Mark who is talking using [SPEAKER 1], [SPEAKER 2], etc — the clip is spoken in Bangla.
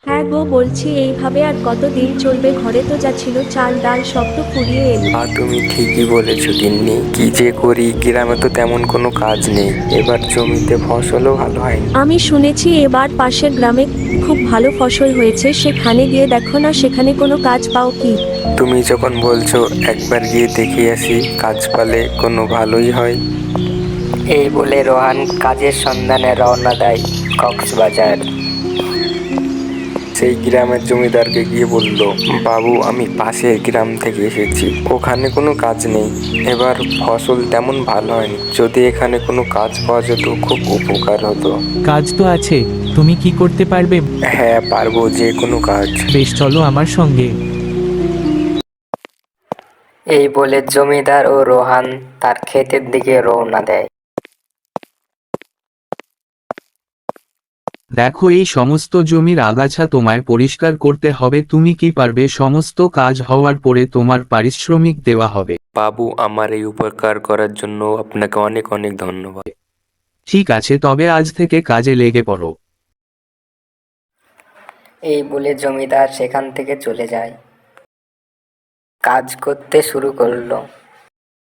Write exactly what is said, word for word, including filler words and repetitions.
[SPEAKER 1] হ্যাঁ গো, বলছি এইভাবে আর কতদিন চলবে? ঘরে তো যা ছিল চাল ডাল সব তো ফুরিয়ে এলো।
[SPEAKER 2] আর তুমি ঠিকই বলেছো গিন্নি, কি যে করি, গ্রামে তো তেমন কোনো কাজ নেই, এবার জমিতে ফসলও ভালো হয়নি।
[SPEAKER 1] আমি শুনেছি এবার পাশের গ্রামে খুব ভালো ফসল হয়েছে, সেখানে গিয়ে দেখো না, সেখানে কোনো কাজ পাও কি?
[SPEAKER 2] তুমি যখন বলছো একবার গিয়ে দেখে আসি, কাজ পালে কোনো ভালোই হয়।
[SPEAKER 3] এই বলে রোহান কাজের সন্ধানে রওনা দেয় কক্সবাজার।
[SPEAKER 2] সেই গ্রামের জমিদারকে গিয়ে বলল, বাবু আমি পাশের গ্রাম থেকে এসেছি, ওখানে কোনো কাজ নেই, এবার ফসল তেমন ভালো হয়নি, যদি এখানে কোনো কাজ পাওয়া যেত খুব উপকার হতো।
[SPEAKER 4] কাজ তো আছে, তুমি কি করতে পারবে?
[SPEAKER 2] হ্যাঁ পারবো, যে কোনো কাজ।
[SPEAKER 4] বেশ, চলো আমার সঙ্গে।
[SPEAKER 3] এই বলে জমিদার ও রোহান তার ক্ষেতের দিকে রওনা দেয়।
[SPEAKER 4] দেখো, এই সমস্ত জমির আগাছা তোমায় পরিষ্কার করতে হবে। তুমি কি পারবে? সমস্ত কাজ হওয়ার পরে তোমার পারিশ্রমিক দেওয়া হবে।
[SPEAKER 2] বাবু আমার এই উপকার করার জন্য আপনাকে অনেক অনেক ধন্যবাদ।
[SPEAKER 4] ঠিক আছে, তবে আজ থেকে কাজে লেগে পড়ো।
[SPEAKER 3] এই বলে জমিদার সেখান থেকে চলে যায়। কাজ করতে শুরু করলো।